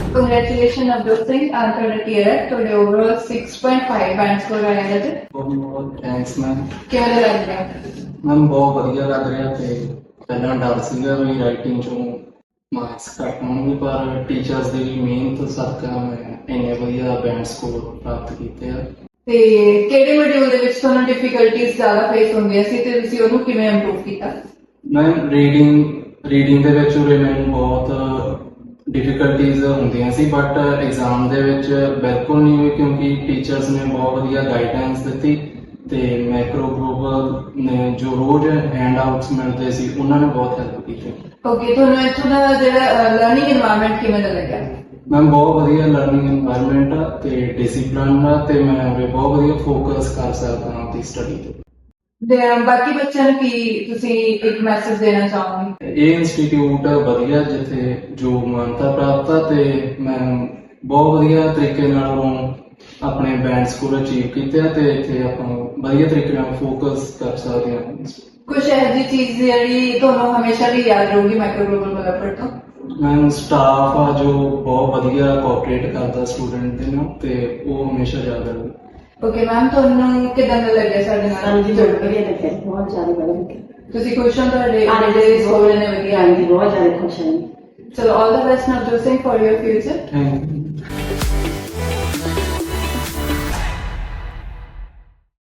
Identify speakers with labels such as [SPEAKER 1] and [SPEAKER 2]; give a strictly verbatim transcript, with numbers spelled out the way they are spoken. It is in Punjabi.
[SPEAKER 1] Congratulations, Abdul Singh, and third year to the overall six point five band score ਆਇਆ ਹੈ ਜੀ।
[SPEAKER 2] ਬਹੁਤ ਬਹੁਤ ਥੈਂਕਸ ਮੈਮ।
[SPEAKER 1] ਕਿਵੇਂ ਦਾ ਲੱਗ ਰਿਹਾ?
[SPEAKER 2] ਮੈਮ ਬਹੁਤ ਵਧੀਆ ਲੱਗ ਰਿਹਾ ਤੇ ਪਹਿਲਾਂ ਡਰ ਸੀਗਾ ਵੀ ਰਾਈਟਿੰਗ ਚੋਂ ਮਾਰਕਸ ਘੱਟ ਆਉਣਗੇ, ਪਰ ਟੀਚਰਸ ਦੀ ਵੀ ਮਿਹਨਤ ਸਦਕਾ ਮੈਂ ਇੰਨੇ ਵਧੀਆ ਬੈਂਡ ਸਕੋਰ ਪ੍ਰਾਪਤ ਕੀਤੇ ਆ।
[SPEAKER 1] ਤੇ ਕਿਹੜੇ ਮੋਡਿਊਲ ਦੇ ਵਿੱਚ ਤੁਹਾਨੂੰ ਡਿਫਿਕਲਟੀਜ਼ ਜ਼ਿਆਦਾ ਫੇਸ ਹੁੰਦੀਆਂ ਸੀ ਤੇ ਤੁਸੀਂ ਉਹਨੂੰ ਕਿਵੇਂ ਇੰਪਰੂਵ ਕੀਤਾ?
[SPEAKER 2] ਮੈਮ ਰੀਡਿੰਗ ਰੀਡਿੰਗ ਦੇ ਵਿੱਚ ਉਰੇ ਮੈਨੂੰ ਬਹੁਤ ਡਿਫਿਕਲਟੀਜ਼ ਹੁੰਦੀਆਂ ਸੀ, ਬਟ ਐਗਜ਼ਾਮ ਦੇ ਵਿੱਚ ਬਿਲਕੁਲ ਨਹੀਂ ਹੋਈ ਕਿਉਂਕਿ ਟੀਚਰਸ ਨੇ ਬਹੁਤ ਵਧੀਆ ਗਾਈਡੈਂਸ ਦਿੱਤੀ ਤੇ ਮੈਕਰੋ ਗਲੋਬਲ ਨੇ ਜੋ ਰੋਜ਼ ਹੈਂਡ ਆਊਟਸ ਮਿਲਦੇ ਸੀ ਉਹਨਾਂ ਨੇ ਬਹੁਤ ਹੈਲਪ ਕੀਤੀ।
[SPEAKER 1] ਓਕੇ, ਤੁਹਾਨੂੰ ਇੱਥੋਂ ਦਾ ਜਿਹੜਾ ਲਰਨਿੰਗ ਇਨਵਾਇਰਨਮੈਂਟ ਕਿਵੇਂ ਦਾ ਲੱਗਿਆ?
[SPEAKER 2] ਮੈਮ ਬਹੁਤ ਵਧੀਆ ਲਰਨਿੰਗ ਇਨਵਾਇਰਨਮੈਂਟ ਆ ਤੇ ਡਿਸਿਪਲਿਨ ਆ ਤੇ ਮੈਂ ਉਰੇ ਬਹੁਤ ਵਧੀਆ ਫੋਕਸ ਕਰ ਸਕਦਾ ਹਾਂ ਆਪਣੀ ਸਟੱਡੀ ਤੇ।
[SPEAKER 1] ਤੇ ਬਾਕੀ ਬੱਚਿਆਂ ਨੂੰ ਕੀ ਤੁਸੀਂ ਇੱਕ ਮੈਸੇਜ ਦੇਣਾ ਚਾਹੋਗੇ?
[SPEAKER 2] ਇਹ ਇੰਸਟੀਚਿਊਟ ਵਧੀਆ ਜਿੱਥੇ ਜੋ ਮਾਨਤਾ ਪ੍ਰਾਪਤ ਆ ਤੇ ਮੈਂ ਬਹੁਤ ਵਧੀਆ ਤਰੀਕੇ ਨਾਲ ਉਹਨੂੰ ਆਪਣੇ ਬੈਂਡ ਸਕੋਰ ਅਚੀਵ ਕੀਤੇ ਆ ਤੇ ਇੱਥੇ ਆਪਾਂ ਵਧੀਆ ਤਰੀਕੇ ਨਾਲ ਫੋਕਸ ਕਰ ਸਕਦੇ ਹਾਂ।
[SPEAKER 1] ਕੁਛ ਇਹੋ ਜਿਹੀ ਚੀਜ਼ ਜਿਹੜੀ ਤੁਹਾਨੂੰ ਹਮੇਸ਼ਾ ਲਈ ਯਾਦ ਰਹੂਗੀ ਮਾਈਕਰੋ ਗਲੋਬਲ ਡਿਵੈਲਪਰ ਤੋਂ?
[SPEAKER 2] ਮੈਮ ਸਟਾਫ ਆ ਜੋ ਬਹੁਤ ਵਧੀਆ ਕੋਆਪਰੇਟ ਕਰਦਾ ਸਟੂਡੈਂਟ ਦੇ ਨਾਲ ਤੇ ਉਹ ਹਮੇਸ਼ਾ ਯਾਦ ਰਹੂ।
[SPEAKER 1] ਓਕੇ ਮੈਮ, ਤੁਹਾਨੂੰ ਕਿਦਾਂ ਦਾ ਲੱਗਿਆ ਸਾਡੇ ਨਾਲ?
[SPEAKER 3] ਹਾਂਜੀ ਬਹੁਤ ਵਧੀਆ ਲੱਗਿਆ, ਬਹੁਤ ਜ਼ਿਆਦਾ ਵਧੀਆ ਲੱਗਿਆ।
[SPEAKER 1] ਤੁਸੀਂ ਖੁਸ਼ ਹੋ ਤੁਹਾਡੇ
[SPEAKER 3] ਹਾਂਜੀ
[SPEAKER 1] ਜਿਹੜੇ ਸਕੂਲ ਨੇ ਵਧੀਆ?
[SPEAKER 3] ਹਾਂਜੀ ਬਹੁਤ ਜ਼ਿਆਦਾ ਖੁਸ਼ ਹਾਂ।
[SPEAKER 1] ਚਲੋ, ਆਲ ਦਾ best Navjot Singh for your future.
[SPEAKER 2] Thank you.